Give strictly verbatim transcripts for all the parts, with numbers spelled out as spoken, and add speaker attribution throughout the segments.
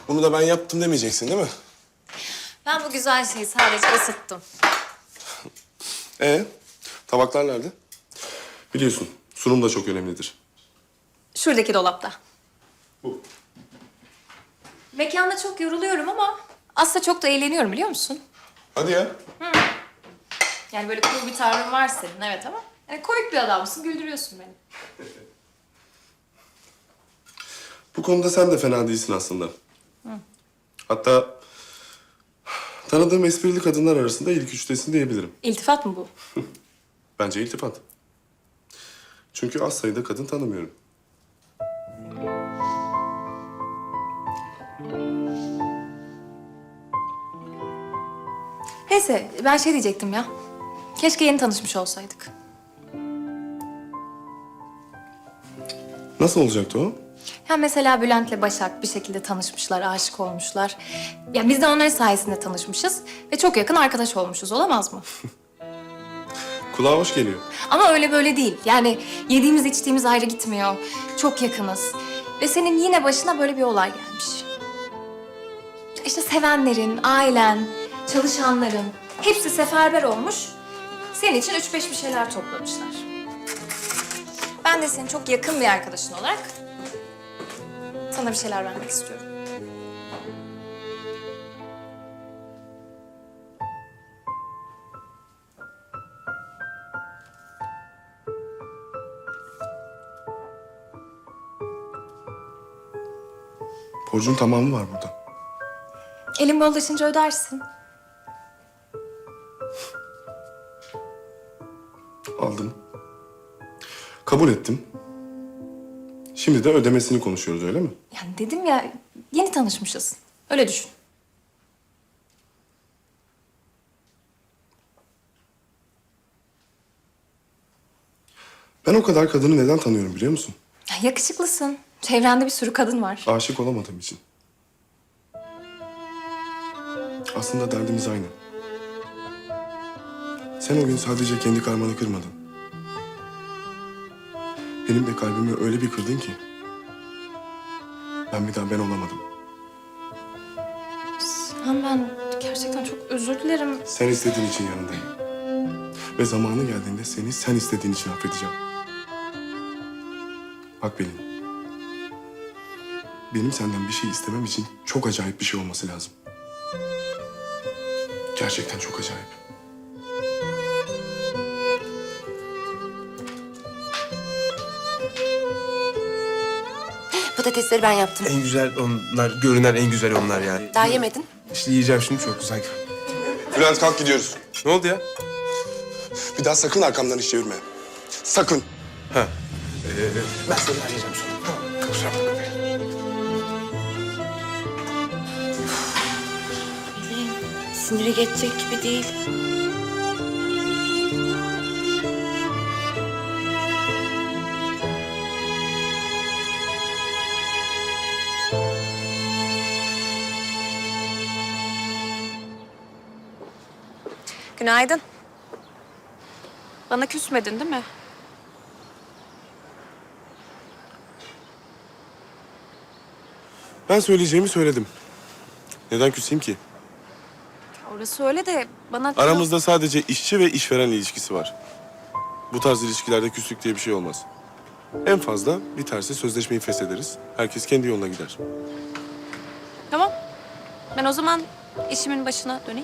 Speaker 1: Bunu da ben yaptım demeyeceksin değil mi?
Speaker 2: Ben bu güzel şeyi sadece ısıttım.
Speaker 1: Ee, tabaklar nerede? Biliyorsun, sunum da çok önemlidir.
Speaker 2: Şuradaki dolapta.
Speaker 1: Bu.
Speaker 2: Mekanda çok yoruluyorum ama aslında çok da eğleniyorum biliyor musun?
Speaker 1: Hadi ya.
Speaker 2: Yani böyle cool bir tavrın var senin evet ama yani komik bir adamsın, güldürüyorsun beni.
Speaker 1: Bu konuda sen de fena değilsin aslında. Hatta tanıdığım esprili kadınlar arasında ilk üçtesin diyebilirim.
Speaker 2: İltifat mı bu?
Speaker 1: Bence iltifat. Çünkü az sayıda kadın tanımıyorum.
Speaker 2: Neyse ben şey diyecektim ya. Keşke yeni tanışmış olsaydık.
Speaker 1: Nasıl olacaktı o?
Speaker 2: Ya mesela Bülent'le Başak bir şekilde tanışmışlar, aşık olmuşlar. Ya biz de onların sayesinde tanışmışız ve çok yakın arkadaş olmuşuz, olamaz mı?
Speaker 1: Kulağa hoş geliyor.
Speaker 2: Ama öyle böyle değil. Yani yediğimiz içtiğimiz ayrı gitmiyor. Çok yakınız. Ve senin yine başına böyle bir olay gelmiş. İşte sevenlerin, ailen, çalışanların hepsi seferber olmuş. Senin için üç beş bir şeyler toplamışlar. Ben de senin çok yakın bir arkadaşın olarak sana bir şeyler vermek istiyorum.
Speaker 1: Borcun tamamı var burada.
Speaker 2: Elin bollaşınca ödersin.
Speaker 1: Aldım. Kabul ettim. Şimdi de ödemesini konuşuyoruz öyle mi?
Speaker 2: Yani dedim ya, yeni tanışmışız. Öyle düşün.
Speaker 1: Ben o kadar kadını neden tanıyorum biliyor musun?
Speaker 2: Ya yakışıklısın. Çevrende bir sürü kadın var.
Speaker 1: Aşık olamadığım için. Aslında derdimiz aynı. Sen o gün sadece kendi karmanı kırmadın. Benim de kalbimi öyle bir kırdın ki... ben bir daha ben olamadım.
Speaker 2: Sen ben gerçekten çok özür dilerim.
Speaker 1: Sen istediğin için yanındayım. Ve zamanı geldiğinde seni sen istediğin için affedeceğim. Bak Pelin. Benim senden bir şey istemem için çok acayip bir şey olması lazım. Gerçekten çok acayip.
Speaker 3: Patatesleri ben yaptım.
Speaker 4: En güzel onlar, görünen en güzel onlar yani.
Speaker 3: Daha yemedin.
Speaker 4: İşte yiyeceğim şimdi çok güzel.
Speaker 1: Bülent kalk gidiyoruz.
Speaker 4: Ne oldu ya?
Speaker 1: Bir daha sakın arkamdan iş çevirme. Sakın.
Speaker 4: Ha. Ee, ben seni arayacağım sonra. Tamam. Kusura bakma.
Speaker 3: Pelin, siniri geçecek gibi değil.
Speaker 2: Günaydın. Bana küsmedin değil mi?
Speaker 1: Ben söyleyeceğimi söyledim. Neden küseyim ki?
Speaker 2: Orası öyle de bana...
Speaker 1: Aramızda sadece işçi ve işveren ilişkisi var. Bu tarz ilişkilerde küslük diye bir şey olmaz. En fazla biterse sözleşmeyi feshederiz. Herkes kendi yoluna gider.
Speaker 2: Tamam. Ben o zaman işimin başına döneyim.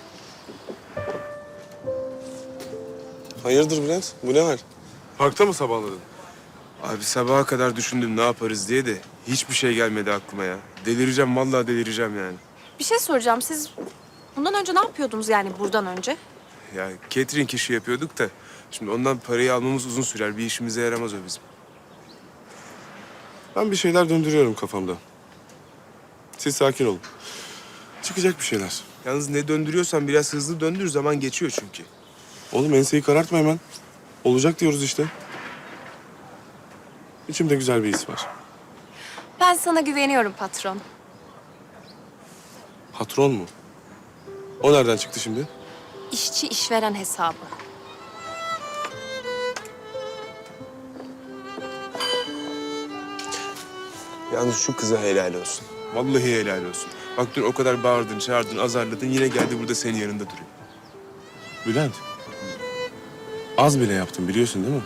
Speaker 1: Hayırdır Bülent? Bu ne hal? Parkta mı sabahladın?
Speaker 4: Abi sabaha kadar düşündüm ne yaparız diye de hiçbir şey gelmedi aklıma ya. Delireceğim vallahi delireceğim yani.
Speaker 5: Bir şey soracağım. Siz bundan önce ne yapıyordunuz yani buradan önce?
Speaker 4: Ya catering işi yapıyorduk da şimdi ondan parayı almamız uzun sürer. Bir işimize yaramaz o bizim.
Speaker 1: Ben bir şeyler döndürüyorum kafamda. Siz sakin olun. Çıkacak bir şeyler.
Speaker 4: Yalnız ne döndürüyorsan biraz hızlı döndür, zaman geçiyor çünkü.
Speaker 1: Oğlum enseyi karartma hemen. Olacak diyoruz işte. İçimde güzel bir his var.
Speaker 2: Ben sana güveniyorum patron.
Speaker 1: Patron mu? O nereden çıktı şimdi?
Speaker 2: İşçi işveren hesabı.
Speaker 4: Yalnız şu kıza helal olsun. Vallahi helal olsun. Bak dün o kadar bağırdın, çağırdın, azarladın. Yine geldi burada senin yanında duruyor.
Speaker 1: Bülent. Az bile yaptım biliyorsun değil mi?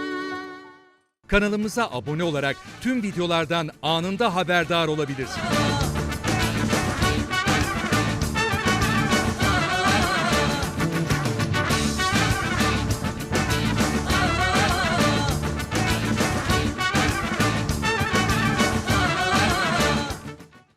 Speaker 6: Kanalımıza abone olarak tüm videolardan anında haberdar olabilirsiniz.